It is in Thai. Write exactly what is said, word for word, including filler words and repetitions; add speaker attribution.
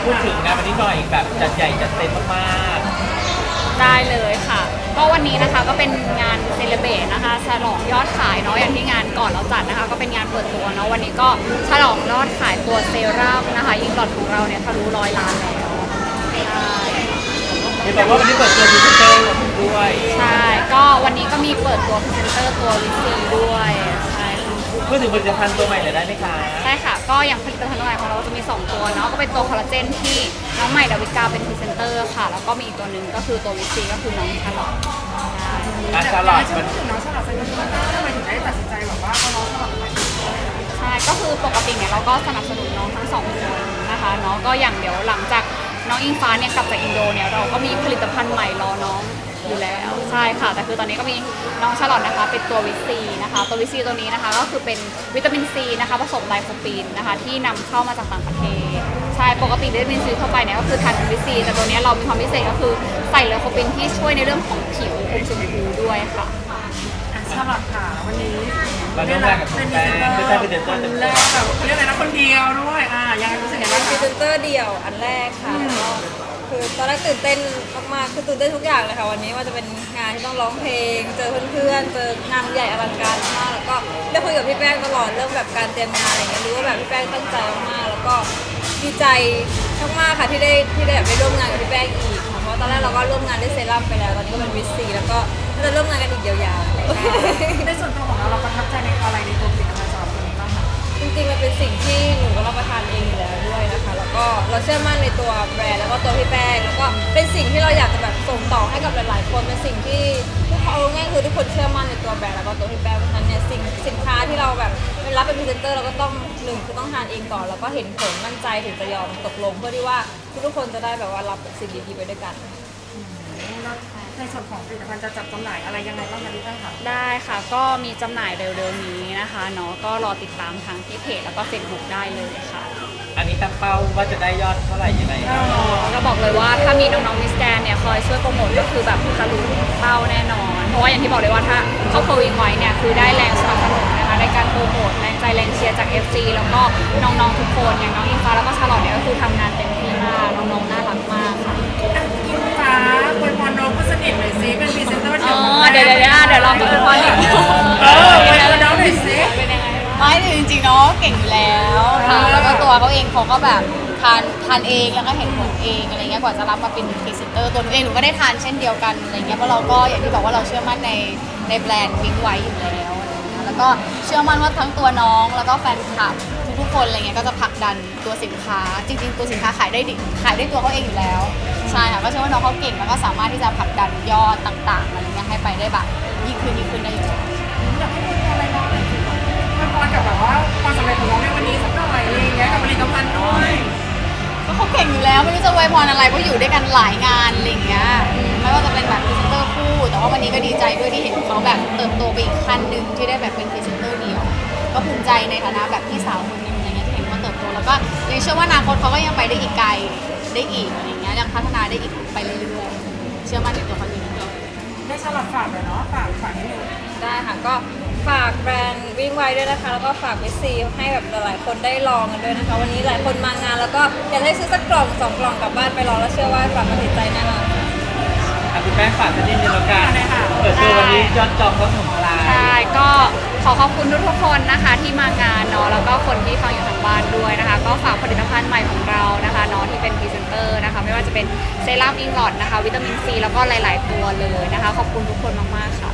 Speaker 1: พูดถึงงานวันนี้หน่อยแบบจัดใหญ่จัดเต็มมาก
Speaker 2: ได้เลยค่ะก็วันนี้นะคะก็เป็นงานเซเลเบรตนะคะฉลองยอดขายเนาะอย่างที่งานก่อนเราจัดนะคะก็เป็นงานเปิดตัวเนาะวันนี้ก็ฉลองยอดขายตัวเซรั่มนะคะยิงหลอดของเราเนี่ยทะลุร้อยล้านแล้วใช่
Speaker 1: เห็นบอกว่าวันนี้เปิดตัวพรีเซนเตอร์ด้วย
Speaker 2: ใช่ก็วันนี้ก็มีเปิดตัวพรีเซนเตอร์ตัววิซีด้วยใช่
Speaker 1: พูดถึงผลิตภัณฑ์ตัวใหม่เลยได้ไหมคะ
Speaker 2: ใช่ค่ะก็อย่างผลิตภัณฑ์ตัวใหม่ของเราจะมีสองตัวเนาะก็เป็นตัวคอลลาเจนที่น้องใหม่ดาวิกาเป็นพรีเซนเตอร์ค่ะแล้วก็มีอีกตัวหนึ่งก็คือตัววิซีก็คือน้องชาลอต
Speaker 1: อาชาลอตมัน
Speaker 3: น้องชาลอตเป็นพรีเซนเตอร์ทำไมถึงได้ตัดสินใจแบบว่าเอาน้องชาลอตมา
Speaker 2: ใช่ก็คือปกติเนี่ยเราก็สนับสนุนน้องทั้งสองคนนะคะเนาะก็อย่างเดี๋ยวหลังจากน้องอิงฟ้าเนี่ยกลับจากอินโดเนี่ยเราก็มีผลิตภัณฑ์ใหม่รอน้องอยู่แล้วใช่ค่ะแต่คือตอนนี้ก็มีน้องชาลอตนะคะเป็นตัววิซีนะคะตัววิซีตัวนี้นะคะก็คือเป็นวิตามินซีนะคะผสมไลโคปีนนะคะที่นำเข้ามาจากต่างประเทศใช่ปกติวิตามินซีทั่วไปเนี่ยก็คือทานเป็นวิซีแต่ตัวนี้เรามีความพิเศษก็คือใส่ไลโคปีนที่ช่วยในเรื่องของผิวอมชมพูด้วยค่ะ
Speaker 3: ชาลอตค่ะวันนี้
Speaker 1: เราร่วมงานกับคุณแป้งคือได้พรีเซนเตอร์เต็ม
Speaker 3: แรกแบบเรียกอะไรนะคนเดียวด้วยอ่ายังไงรู้สึกยังไงบ้าง
Speaker 4: พรี
Speaker 3: คะ
Speaker 4: เซนเตอร์เดี่ยวอันแรกค่ะก็คือตอนแรกตื่นเต้นมากๆคือตื่นเต้นทุกอย่างเลยค่ะวันนี้ว่าจะเป็นงานที่ต้องร้องเพลงเจอเพื่อนๆเจองานใหญ่อลังการมากแล้วก็ได้คุยกับพี่แป้งตลอดเรื่องแบบการเตรียมงานอะไรเงี้ยรู้ว่าแบบพี่แป้งตั้งใจมากๆแล้วก็ดีใจมากๆค่ะที่ได้ที่ได้แบบไปร่วมงานกับพี่แป้งอีกค่ะเพราะตอนแรกเราก็ร่วมงานด้วยเซรั่มไปแล้วตอนนี้ก็เป็นวิสซีแล้วก็จะร่วมงานกันอีกยาว
Speaker 3: ในส่วนตัวของเราเราประทับใจในอะไรในตัวผลิตภัณฑ์สำหรับตัวนี้บ้างคะ
Speaker 4: จริงๆมันเป็นสิ่งที่หนูก็รับประทานเองอยู่แล้วด้วยนะคะแล้วก็เราเชื่อมั่นในตัวแบรนด์แล้วก็ตัวพี่แป้งแล้วก็เป็นสิ่งที่เราอยากจะแบบส่งต่อให้กับหลายๆคนเป็นสิ่งที่ทุกคนเอาง่ายคือทุกคนเชื่อมั่นในตัวแบรนด์แล้วก็ตัวพี่แป้งเพราะฉะนั้นเนี่ยสิ่งสินค้าที่เราแบบเป็นรับเป็นพรีเซนเตอร์เราก็ต้องหนึ่งคือต้องทานเองก่อนแล้วก็เห็นผลมั่นใจถึงจะยอมตกลงเพื่อที่ว่าทุกๆคนจะได้แบบว่ารับสิ่งดีๆไปด้วยกัน
Speaker 3: ในส่วนของผลิตภัณฑ์จะจัดจำหน่ายอะไรยังไงบ้างคะดิฉันค่ะ
Speaker 2: ได้ค่ะก็มีจำหน่ายเร็วๆนี้นะคะเนาะก็รอติดตามทางที่เพจแล้วก็เฟซบุ๊กได้เลยค่ะ
Speaker 1: อันนี้ตั้งเป้าว่าจะได้ยอดเท่าไหร่ยังไงครับ
Speaker 2: ก็บอกเลยว่าถ้ามีน้องๆมิสแกรนเนี่ยคอยช่วยโปรโมทก็คือแบบทะลุเป้าแน่นอนเพราะว่าอย่างที่บอกเลยว่าถ้าเข้าโควิดไว้เนี่ยคือได้แรงสนับสนุนนะคะในการโปรโมทแรงใจแรงเชียร์จาก เอฟ ซี แล้วก็น้องๆทุกคนอย่างน้องอิงฟ้าแล้วก็ชาลอตเนี่ยก็คือทำงานเต็มที่มากน้องๆน่ารักมากค่ะ
Speaker 3: อิงฟ้าคุยพรน้องผู้สนิทหน่อยซิเป็นพรีเซนเตอร์เดี่ยว
Speaker 2: เดี๋ยวเดี๋ยวเดี๋ยวลองคุยพรหน่อย
Speaker 3: เออคุยพรน้องหน่อยซิ
Speaker 2: เป็นยังไง
Speaker 5: ไม่จริงๆเนาะเก่งอยู่แล้วค่ะแล้วก็ตัวเขาเองเขาก็แบบทานทานเองแล้วก็เห็นผลเองอะไรเงี้ยกว่าจะรับมาเป็นพรีเซนเตอร์ตัวหนูเองหนูก็ได้ทานเช่นเดียวกันอะไรเงี้ยเพราะเราก็อย่างที่บอกว่าเราเชื่อมั่นในในแบรนด์วิงไว้อยู่แล้วอะไรเงี้ยแล้วก็เชื่อมั่นว่าทั้งตัวน้องแล้วก็แฟนคลับทุกๆคนอะไรเงี้ยก็จะผลักดันตัวสินค้าจริงๆตัวสินค้าขายได้ดิขายได้ตัวเขาเองอยู่แล้วใช่ค่ะก็เชื่อว่าน้องเขาเก่งแล้วก็สามารถที่จะผลักดันยอดต่างๆอะไรเงี้ยให้ไปได้แบบยิ่งขึ้นยิ่งขึ้นได้อยู่
Speaker 3: อยากให้คุยอะไรบ้างคุยพรกับแบบว่าความสำเร็จของน้องในวันนี้สักหน่อยอะไรอย่างเงี้ยกับผลิตภัณฑ์ด้วย
Speaker 5: ก็เขาเก่งอยู่แล้วไม่รู้จะไว้พรอะไรเพราะอยู่ด้วยกันหลายงานอะไรอย่างเงี้ยไม่ว่าจะเป็นแบบพรีเซนเตอร์คู่แต่ว่าวันนี้ก็ดีใจด้วยที่เห็นเขาแบบเติบโตไปอีกขั้นหนึ่งที่ได้แบบเป็นพรีเซนเตอร์เดียวก็ภูมิใจในฐานะแบบพี่สาวคนหนึ่งอะไรเงี้ยที่เห็นเขาเติบโตแล้วก็ยังเชื่อว่าอนาคตเขาก็ยังไปได้อีกไกลได้อีกอะไรเงี้ยยังพัฒนาได้อีกไปเรื่อยๆเชื่อมั่นในตัวเขาอยู่แล้ว
Speaker 3: ได้ฉลาดฝากเลยเนาะฝากฝากนิดนึง
Speaker 4: ได้ค่ะก็ฝากแบรนด์วิ่งไวด้วยนะคะแล้วก็ฝากวิซีให้แบบหลายๆคนได้ลองกันด้วยนะคะวันนี้หลายคนมางานแล้วก็อยากให้ซื้อสักกล่องสองกล่องกลับบ้านไปลองแล้วเชื่อว่าฝากมาติดใจแน่นอน
Speaker 1: อ่ะคุณแป้งฝากสักนิดนึงแล้วกันเปิดตัววันนี้ยอดจองก็ถล่มทลาย
Speaker 2: ใช่ก็ขอขอบคุณทุกๆคนนะคะที่มางานเนาะแล้วก็คนที่ฟังอยู่ทางบ้านด้วยนะคะก็ฝากผลิตภัณฑ์ใหม่ของเรานะคะเนาะที่เป็นพรีเซนเตอร์นะคะไม่ว่าจะเป็นเซรั่มอิงลอดนะคะวิตามินซีแล้วก็หลายๆตัวเลยนะคะขอบคุณทุกคนมากๆค่ะ